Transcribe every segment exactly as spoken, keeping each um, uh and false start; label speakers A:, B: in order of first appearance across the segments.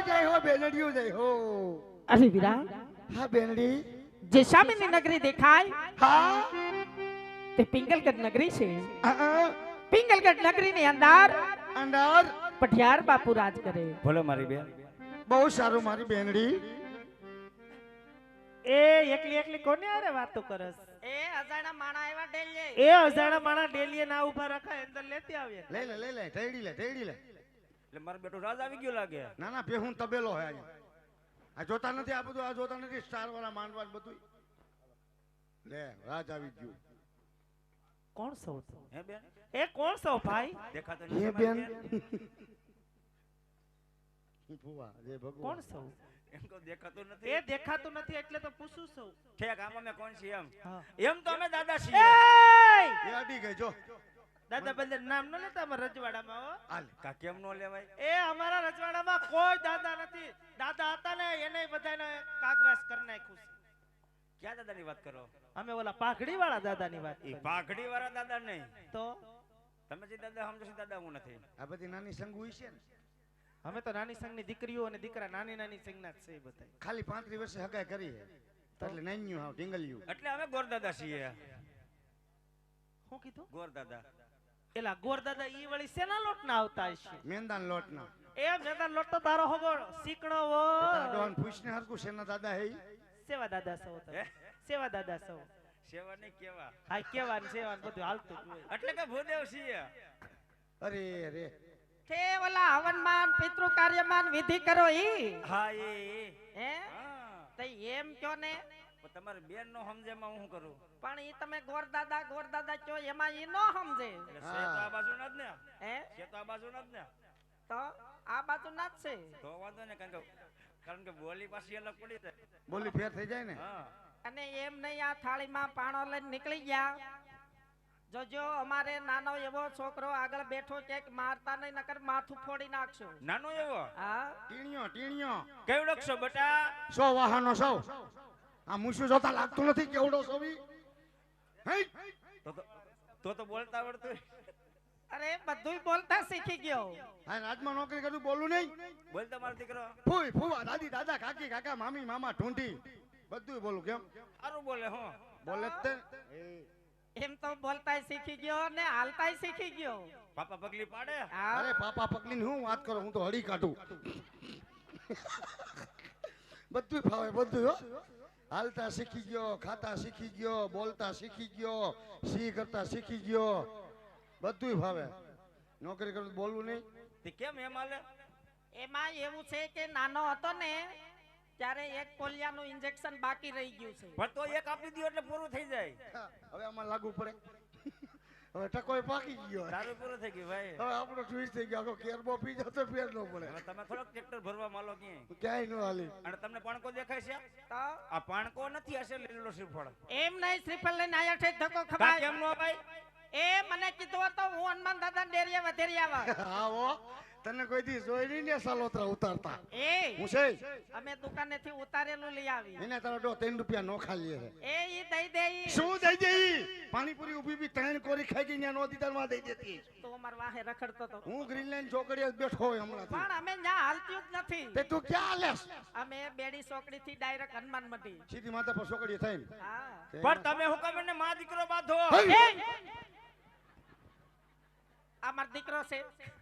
A: જય હો બેનડીઓ જય હો.
B: અરે વીરા,
A: હા બેનડી.
B: જે સામેની નગરી દેખાય
A: હા
B: તે પિંગલગઢ નગરી છે.
A: હા
B: પિંગલગઢ નગરીની અંદર
A: અંદર
B: પઠિયાર બાપુ રાજ કરે.
C: બોલો મારી બેન.
A: બહુ સારું મારી બેનડી.
D: એ એકલી એકલી કોને આરે વાતો કરસ?
B: એ અજાણા માણા આવ્યા ડેલીએ.
D: એ અજાણા માણા ડેલીએ ના ઉભા રખાય, અંદર લેતી આવીએ.
A: લે લે લે લે ટેડી લે ટેડી લે.
C: એટલે મારો બેટો રાજ આવી ગયો લાગે.
A: ના ના પેહું તબેલો હે આ. આ જોતા નથી આ બધું, આ જોતા નથી સ્ટાર વાળા માંડવા બધું. લે રાજ આવી ગયું.
D: કોણ સૌ?
C: હે બેન?
D: એ કોણ સૌ ભાઈ?
C: દેખાતો
A: હે
C: નથી
A: બેન. ફુવા જય ભગવાન.
D: કોણ સૌ?
C: એમ તો દેખાતો નથી.
D: એ દેખાતું નથી એટલે તો પૂછું સૌ.
C: ઠેક આમાં મેં કોણ છે એમ?
D: હા.
C: એમ તો અમે દાદા છીએ.
D: એય!
A: એ અડી ગઈ જો.
D: દાદા બંદર નામ ન લેતા અમારા રજવાડામાં હો.
A: હાલ.
C: કા કેમ નો લેવાય?
D: એ અમારા રજવાડામાં કોઈ દાદા નથી. દાદા હતા ને એને બધાને કાગવાસ કરી નાખ્યું છે.
C: ક્યાં દાદાની વાત કરો?
D: અમે ઓલા પાઘડી વાળા દાદાની વાત
C: એ
D: કરી.
C: પાઘડી વાળા દાદા નહીં.
D: તો
C: તમે જે દાદા સમજો છો દાદા હું નથી.
A: આ બધી નાની સંગ હોય છે ને.
D: અમે તો નાની સંઘની દીકરીઓ અને દીકરા નાની નાની સંઘના જ છે એ બધા.
A: ખાલી પાંત્રીસ વર્ષે હગાઈ કરી છે. એટલે નાન્યું હાવ ઢીંગલ્યું.
C: એટલે અમે ગોર દાદા છીએ.
D: શું કીધું?
C: ગોર દાદા.
D: એલા ગોર દાદા ઈ વળી શેના લોટ ના આવતા હશે?
A: મેંદાન લોટના.
D: એ મેદાન લોટ તો તારો હોગો શીકણો હો.
A: તારા ડોહાને પૂછને હરકું શેના દાદા હે ઈ?
D: સેવા દાદા સૌ તમે.
C: હે?
D: સેવા દાદા સૌ.
C: સેવા નહીં કેવા.
D: હા કેવા ને સેવા ને બધું હાલતું જ હોય.
C: એટલે કે ભૂદેવ છીએ.
A: અરે રે.
B: તે ઓલા હવનમાન પિતૃ કાર્યમાન વિધિ કરો ઈ.
C: હા એ એ.
B: હે
C: હા.
B: તે એમ કયો ને.
C: પણ તમારી બેન નો સમજેમાં હું શું કરું?
B: પણ ઈ તમે ગોરદાદા ગોરદાદા કયો એમાં ઈ નો સમજે.
C: એટલે છે તો આ બાજુના જ ને.
B: હે
C: છે તો આ બાજુના જ ને.
B: તો આ બાજુ ના જ છે.
C: તો વાંધો ને કારણ કે કારણ કે બોલી પાછી અલગ પડી જાય.
A: બોલી ફેર થઈ જાય ને.
C: હા.
B: અને એમ નહીં આ થાળીમાં પાણો લઈને નીકળી ગયા. જોજો અમારે નાનો એવો છોકરો આગળ બેઠો ક્યાંક મારતા નહીં નકર માથું ફોડી નાખશો.
C: નાનો એવો
B: હા
A: ટીણીયો ટીણીયો.
C: કેવડો છો બેટા?
A: સો વાહનો સૌ. આ મુસુ જોતા લાગતું નથી કેવડો સોવી. હે
C: તો તો તો તો બોલતા આવડતું.
B: અરે બધુંય બોલતા શીખી ગયો.
A: આ રાજમાં નોકરી કરું બોલું નહીં.
C: બોલ તમારો દીકરો.
A: ફૂઈ ફૂવા દાદી દાદા કાકી કાકા મામી મામા ઢૂંઢી બધું બોલું કેમ
C: સારું બોલે હો.
A: બોલે જ તે.
B: એમ તો બોલતાય શીખી ગયો ને હાલતાય શીખી ગયો.
C: પાપા પગલી પાડે.
B: હા
A: અરે પાપા પકડીને હું વાત કરું, હું તો હળી કાઢું. બધું ફાવે બધું હો. હાલતા શીખી ગયો, ખાતા શીખી ગયો, બોલતા શીખી ગયો, સી કરતા શીખી ગયો, બધું ફાવે. નોકરી કરું તો બોલવું નહીં.
C: તે કેમ એમ હાલે?
B: એમાં એવું છે કે નાનો હતો ને ત્યારે એક પોલિયાનું ઇન્જેક્શન બાકી રહી ગયું છે.
C: પણ તો એક આપી દો એટલે પૂરું થઈ જાય.
A: હવે આમાં લાગુ પડે. હવે ટકોય પાકી ગયો.
C: તારું પૂરું થઈ ગયું ભાઈ.
A: હવે આપણો ટ્વિસ્ટ થઈ ગયો. આખો કેરબો પી જાવ તો ફેર ન પડે.
C: હવે તમે થોડોક ટ્રેક્ટર ભરવા માલો ક્યાંય.
A: ક્યાંય ન હાલી.
C: અને તમને પાણકો દેખાય છે?
B: તો
C: આ પાણકો નથી, હશે લીલો શ્રીફળ.
B: એમ નહીં શ્રીફળ લઈને આયા છે ધક્કો
C: કા
B: ખવાય.
C: કેમ નો ભાઈ?
B: એ મને કીધું હતું હું હનુમાન દાદા ડેરીએ વધેરી આવા.
A: આવો તને કોઈ દી જોઈ નહીં ને સાલોતરા ઉતારતા.
B: એ
A: હું છે
B: અમે દુકાનેથી ઉતારેલું લઈ આવી.
A: એને તારો ડો ત્રણ રૂપિયા નો ખાલી છે.
B: એ ઈ દઈ દઈ.
A: શું દઈ દે ઈ? પાણીપુરી ઊભી બી ત્રણ કોરી ખાઈ ગઈ ને નો દીધા માં દઈ દેતી.
B: તું અમાર વાહે રખડતો તો.
A: હું ગ્રીનલેન્ડ ચોકડીએ બેઠો હોય હમણાં.
B: પણ અમે ન્યા હાલતી જ નથી.
A: તે તું ક્યાં લેસ?
B: અમે બેડી ચોકડી થી ડાયરેક્ટ હનુમાન મંડી.
A: સીધી માથા પર ચોકડીએ થઈને.
B: હા
C: પણ તમે હું કામ એને માં દીકરો બાંધો?
A: હઈ!
B: આ મારો દીકરો છે.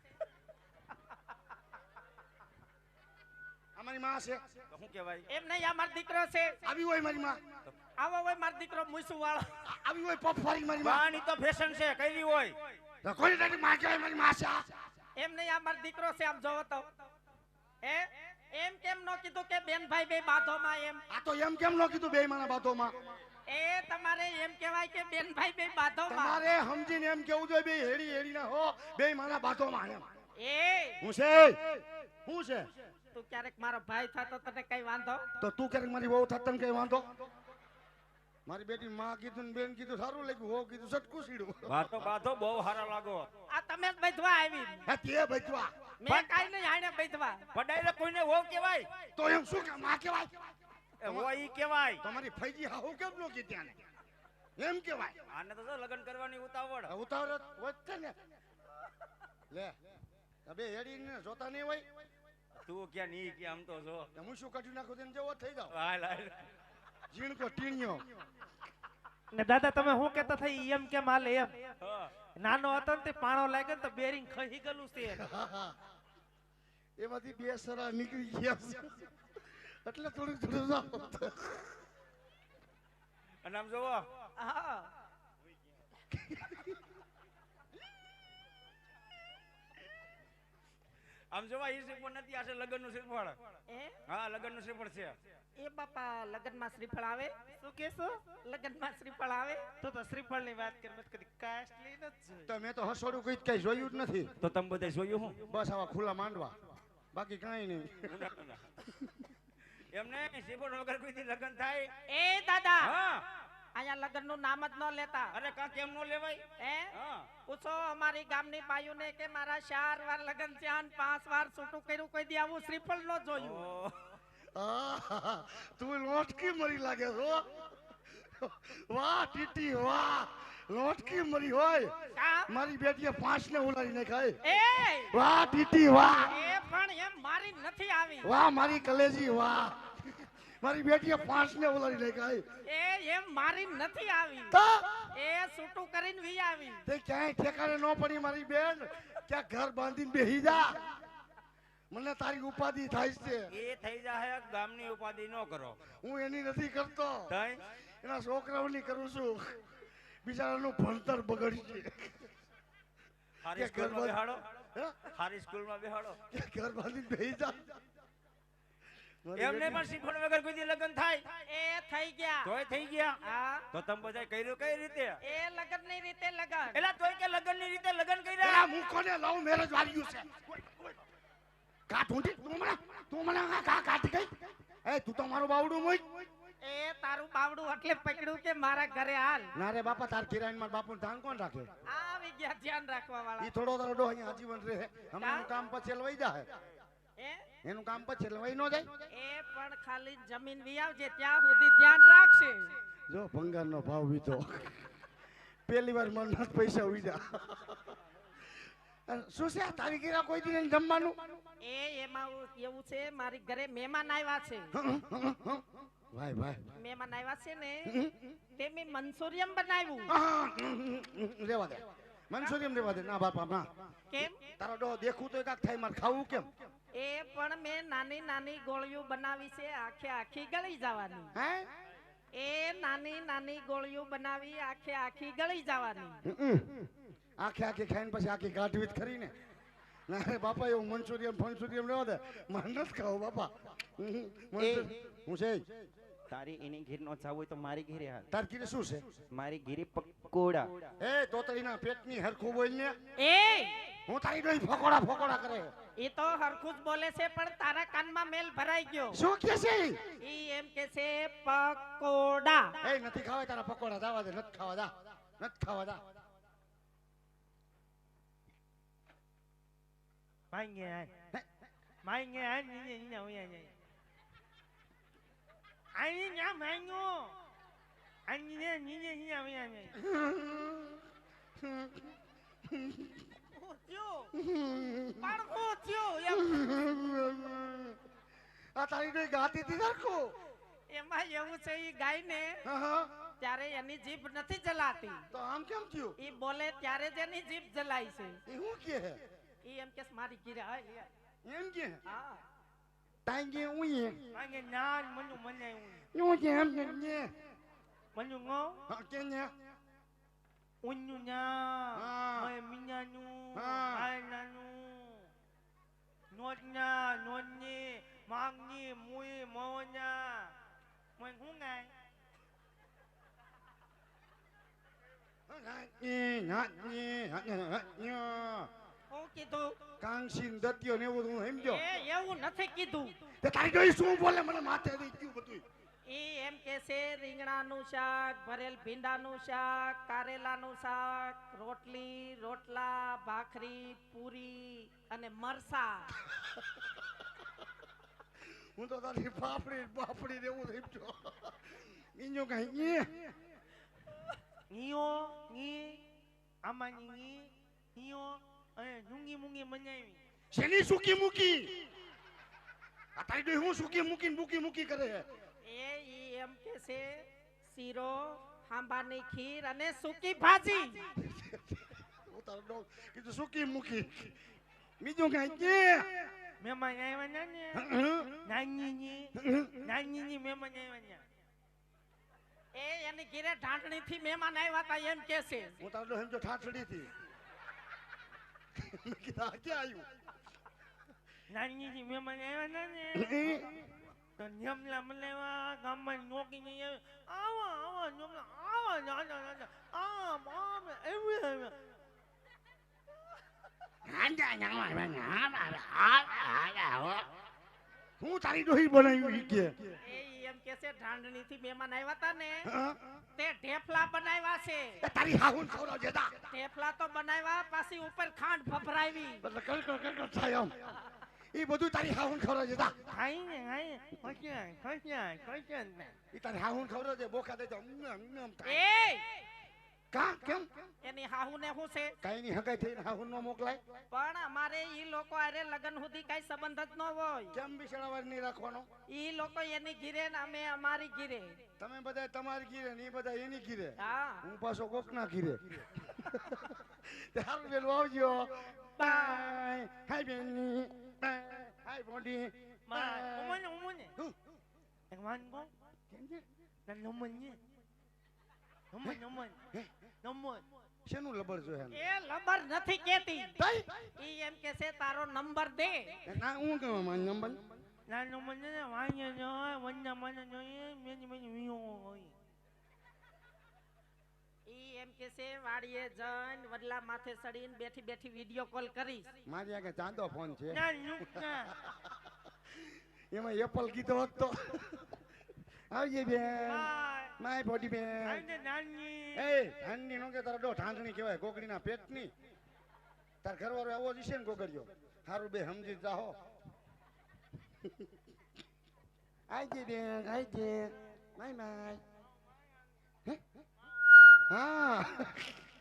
A: અમારી માં છે.
C: તો શું કહેવાય?
B: એમ નહીં આ મારો દીકરો છે.
A: આવી હોય મારી માં.
B: આવો હોય મારો દીકરો મુસુ વાળો.
A: આવી હોય પફવારી મારી માં.
C: બાની તો ફેશન છે, કઈની હોય.
A: તો કોઈ તારી માં કહેવાય મારી માં છે.
B: એમ નહીં આ મારો દીકરો છે. આમ જોવો તો એ એમ કેમ નો કીધું કે બેન ભાઈ બે બાધોમાં એમ.
A: આ તો એમ કેમ નો કીધું બે માણા બાતોમાં?
B: એ તમારે એમ કહેવાય કે બેન ભાઈ બે બાધોમાં.
A: તમારે સમજીને એમ કેવું જોઈએ બે હેડી હેડી ના હો બે માણા બાતોમાં એમ.
B: એ
A: હું છે હું છે
B: તું ક્યારેક મારો ભાઈ થતો તને કઈ વાંધો?
A: તો તું ક્યારેક મારી વહુ થત તને કઈ વાંધો? મારી બેટી માં કીધું ને બેન કીધું સારું લાગ્યું, હો કીધું સટકું સીડું.
C: બાતો બાધો બહુ હારા લાગો.
B: આ તમે જ બેધવા આવી.
A: હે તે બચવા
B: મેં કાઈ નહીં આને બેધવા.
C: પણ ડાયરેક્ટ કોઈને હો કહેવાય?
A: તો એમ શું કે માં કહેવાય?
C: એ હો ઈ કહેવાય.
A: તમારી ફૈજી હાહુ કેમ નો કીધી આને? એમ કહેવાય.
C: આને તો જો લગ્ન કરવાની ઉતાવળ.
A: ઉતાવળ વધશે ને. લે અબે હેડી ને જોતા નહીં હોય.
C: તું ક્યાં ની કે આમ તો જો
A: હું શું કાઢી નાખું તેને જેવો થઈ જાવ
C: હાલ હાલ
A: ઝીણકો ટીણિયો
D: ને દાદા તમે શું કહેતા થઈ એમ કેમ હાલે એમ
C: હા.
D: નાનો હતો ને તે પાણો લાગ્યો ને તો બેરિંગ ખહી ગયેલું છે એને.
A: એમાંથી બે સરા નીકળી ગયા છે એટલે થોડું થોડું જાવ
C: અને આમ જોવો
B: હા
C: આમ જોવા ઈ શ્રીફળ નથી આ છે લગ્નનું શ્રીફળ
B: એ
C: હા લગ્નનું શ્રીફળ છે
B: એ બાપા લગનમાં શ્રીફળ આવે
D: શું કેશો
B: લગનમાં શ્રીફળ આવે
D: તો તો શ્રીફળ ની વાત કરી મત કદી કાસ્ટલી નથી જોઈ.
A: તો મેં તો હસોડું કઈ કઈ જોયું જ નથી
C: તો તમે બધા જોયું હું
A: બસ આવા ખુલ્લા માંડવા બાકી કઈ નહીં
C: એમને શ્રીફળ વગર કોઈથી લગ્ન થાય
B: એ દાદા
C: હા
B: અહીંયા લગનનું નામ જ ન લેતા
C: અરે કા કેમ નો લેવાય
B: એ
C: હા
B: પૂછો અમારી ગામની બાયુને કે મારા ચાર વાર લગન થયા ને પાંચ વાર છૂટું કર્યું કોઈ દી આવું શ્રીફળ ન જોયું
C: ઓ,
A: આહ, તું લોટકી મરી લાગે છો વાહ ટીટી વાહ લોટકી મરી હોય
B: કા?
A: મારી બેટીએ પાંચ ને ઉલાડી નાખાય
B: એ
A: વાહ ટીટી વાહ
B: એ પણ એમ મારી નથી આવી
A: વાહ મારી કલેજી વાહ મારી બેટીએ પાંચ ને ઉલાડી નાખાય
B: એ એમ મારી નથી આવી
A: તો
B: એ છૂટું કરીને વી આવી
A: તે ક્યાંય ઠેકાણે ન પડી મારી બેન ક્યાં ઘર બાંધીને બેહી જા મને તારી ઉપાધિ થાય છે
C: એ થઈ જાય ગામની ઉપાધિ ન કરો
A: હું એની નથી કરતો
C: તઈ
A: એના છોકરાઓની કરું છું બિચારાનું ભણતર બગડી છે
C: હારી
A: કે ઘર
C: સ્કૂલમાં બેહાડો
A: હે?
C: હારી સ્કૂલમાં બેહાડો
A: કે ઘર બાંધીને બેહી જા મારી
C: એમને
A: બેટી-
C: પણ શ્રીફળ વગર કોઈ દી લગ્ન થાય
B: એ થઈ ગયા
C: તોય થઈ ગયા
B: હા
C: તો તમે બધા કર્યું કઈ રીતે
B: એ લગન ની રીતે લગન
C: એલા તોય કે લગ્નની રીતે લગ્ન
A: પેલા
C: કર્યા
A: મૂકોને લવ મેરેજ વાળ્યું છે કા ઢૂંઢી તું મને તું મને આ કા કાઢી ગઈ એ તું તો મારું બાવડું મોય
B: એ તારું બાવડું એટલે પકડ્યું કે મારા ઘરે હાલ
A: ના રે બાપા તાર કિરાયન માં બાપુ ધાન કોણ રાખે
B: આવી ગયા ધ્યાન રાખવા વાળા
A: ઈ થોડો તારો ડો અહીંયા આજીવન રહે હમણાં કામ પછી લવાઈ જાય
B: એ
A: એનું કામ પછી લવાઈ ન જાય
B: એ પણ ખાલી જમીન વી આવજે ત્યાં સુધી ધ્યાન રાખશે
A: જો ભંગારનો ભાવ વીતો પહેલી વાર મન પૈસા ઉઈજા શું છે આ તારી ઘેરા કોઈ દી નહીં જમવાનું
B: એ એમાં એવું છે મારી ઘરે મહેમાન આવ્યા છે
A: ભાઈ ભાઈ
B: મહેમાન આવ્યા છે ને તે મેં મંચુરિયમ બનાવ્યું
A: રેવા દે મનસુરીમ રેવા દે ના બાપા ના
B: કેમ
A: તારો ડો દેખું તો કાક થાય મારે ખાવું કેમ
B: એ પણ મેં નાની નાની ગોળીઓ બનાવી છે આખે આખી ગળી જવાની
A: હે
B: એ નાની નાની ગોળીઓ બનાવી આખે આખી ગળી જવાની
A: હમ. આખે આખી ખાઈને પછી આખી ગાંઠવી જ ખરી ને ના રે બાપા એવું મંચુરિયમ ફંચુરિયમ રેવા દે મારે નથી ખાવું બાપા હમ, મંચુરિયમ. હું છે
E: તારી એની ઘેર નો જાવ હોય તો મારી ઘેરે હાલ
A: તાર કીધું શું છે
E: મારી ઘેરે પકોડા
A: એ તોતળીના પેટની હરખું બોલ ને
B: એ
A: હું તારી ડોઈ ફકોડા ફકોડા કરે
B: એ તો હરખું જ બોલે છે પણ તારા કાનમાં મેલ ભરાઈ ગયો
A: શું કે છે ઈ?
B: ઈ એમ કે છે પકોડા
A: એ નથી ખાવા તારા પકોડા જાવા દે નથી ખાવા જા નથી ખાવા જા
D: માંગે આય માંગે આય નીને નીને ઓયા જાય આઈ ન્યા માંગો આઈ નીને નીને નીને ઓયા જાય
B: હું થયું પણ હું થયું એમ
A: આ તારી ડોઈ ગાતી હતી હરખું
B: એમાં એવું છે ઈ ગાય ને
A: હા હા
B: ત્યારે એની જીભ નથી જલાતી
A: તો આમ કેમ થયું
B: ઈ બોલે ત્યારે જ એની જીભ જલાય છે
A: એ હું કે હે
B: ઈ એમ કે મારી ગીરે હાય
A: એમ કે
B: હા
A: તાંગે ઉઈએ
D: માંગે નાન મનુ મને
A: યું કે એમ કે ને
D: મનુ ngો
A: હા કે ને
D: unyu nya
A: Ah.
D: mai minyanu
A: Ah.
D: ai nanu notnya nonye mangni mui monya moi hungai
A: ની નાની નાની
B: હું કીધું
A: કાંગસીન દત્યો ને એવું હું સમજો
B: એ એવું નથી કીધું
A: તે તારી ડોઈ શું બોલે મને માથે દઈ ગયું બધું
B: ઈ એમ કે છે રીંગણાનું શાક ભરેલ ભીંડાનું શાક કારેલાનું શાક રોટલી રોટલા ભાખરી પૂરી અને મરસા
A: હું તો તારી પાપડી પાપડી ને એવું સમજો બીજું કઈ ની
D: nio ni amani ni nio eh nungi mungi manyai
A: શેની સુકી મૂકી આ તારી ડોહી હું સૂકી મૂકીને મૂકી મૂકી કરે છે
B: એ ઈ એમ કે છે શીરો હાંભાની ખીર અને સૂકી ભાજી
A: હું તારો ડો કીધું સૂકી મૂકી બીજું કાંઈ કે
D: મહેમાન આવ્યા ને ને નાનીજી નાનીજી મહેમાન આવ્યા ને
B: એ એની ઘીરે ઢાંકણી થી મહેમાન આવ્યા હતા એમ કે છે
A: હું તારો ડો સમજો ઠાઠડી થી મેં કીધું આ ક્યાં આવ્યું
D: નાનીજી મહેમાન આવ્યા ને ને તો નિયમલા મલેવા ગામમાં નોકી નહીં આવે આવા આવા નિયમલા આવા નાના નાના આમ આમ એવી એવી
A: હું તારી ડોહી બનાવ્યું ઈ કે
B: એ ઈ એમ કે છે ઢાંકણી થી મહેમાન આવ્યા હતા ને
A: હા?
B: તે ઢેફલા બનાવ્યા છે
A: એ તારી હાહુન ખવડાવ જેતા
B: ઢેફલા તો બનાવ્યા પાછી ઉપર ખાંડ ફફરાવી
A: એટલે કડકડ કડકડ થાય આમ ઈ બધું તારી હાહુન ખવડાવ જેતા
D: ખાઈ ને ખાઈ ખોચ્યા ખોચ્યા ખોચ્યા ને
A: ઈ તારી હાહુન ખવડાવ જે બોખા દે તો અમ અમ અમ થાય
B: એ
A: કા કેમ
B: એની હાહુ ને શું છે
A: કાઈ ની હગાઈ થઈને હાહુન નો મોકલાય
B: પણ અમારે ઈ લોકો આરે લગન સુધી કઈ સંબંધ જ ન હોય
A: કેમ બિચારાવાર નહીં રાખવાનો
B: ઈ લોકો એની ઘીરે ને અમે અમારી ઘીરે
A: તમે બધા તમારી ગીરે ને ઈ બધા એની ગીરે
B: હા
A: હું પાછો કોકના ગીરે હારું બેન આવજો બાય હાય બેની બાય હાય બોડી
D: બાય ઉમને ઉમને
A: હું
D: એક માન કો
A: કેમ છે
D: ના નમન ને નમન નમન નમન
A: શેનું લબર જો હે
B: એ લબર નથી કેતી
A: તઈ
B: ઈ એમ કે છે તારો નંબર દે
A: ના હું કેવા માન નંબર
D: ના નમન ને વાન્ય ન હોય વન્ના મને જોઈએ મેની મેની વિયો હોય
B: ઈ એમ કે છે વાડીએ જઈને વડલા માથે ચડીને બેઠી બેઠી વિડિયો કોલ કરીશ
A: મારી આગળ ચાંદો ફોન છે
D: ના નુકના
A: એમાં એપલ કીધો હોત તો આવજે બેન
D: બાય
A: માય બોડી બેન
D: આને નાની
A: એ ઠાંડી નો કે તારા ડો ઠાંડણી કહેવાય ગોગડીના પેટની તાર ઘરવાળો આવો જ છે ને ગોગડીયો હારું બે સમજી જાહો આવજે બેન આવજે માય માય હે? હા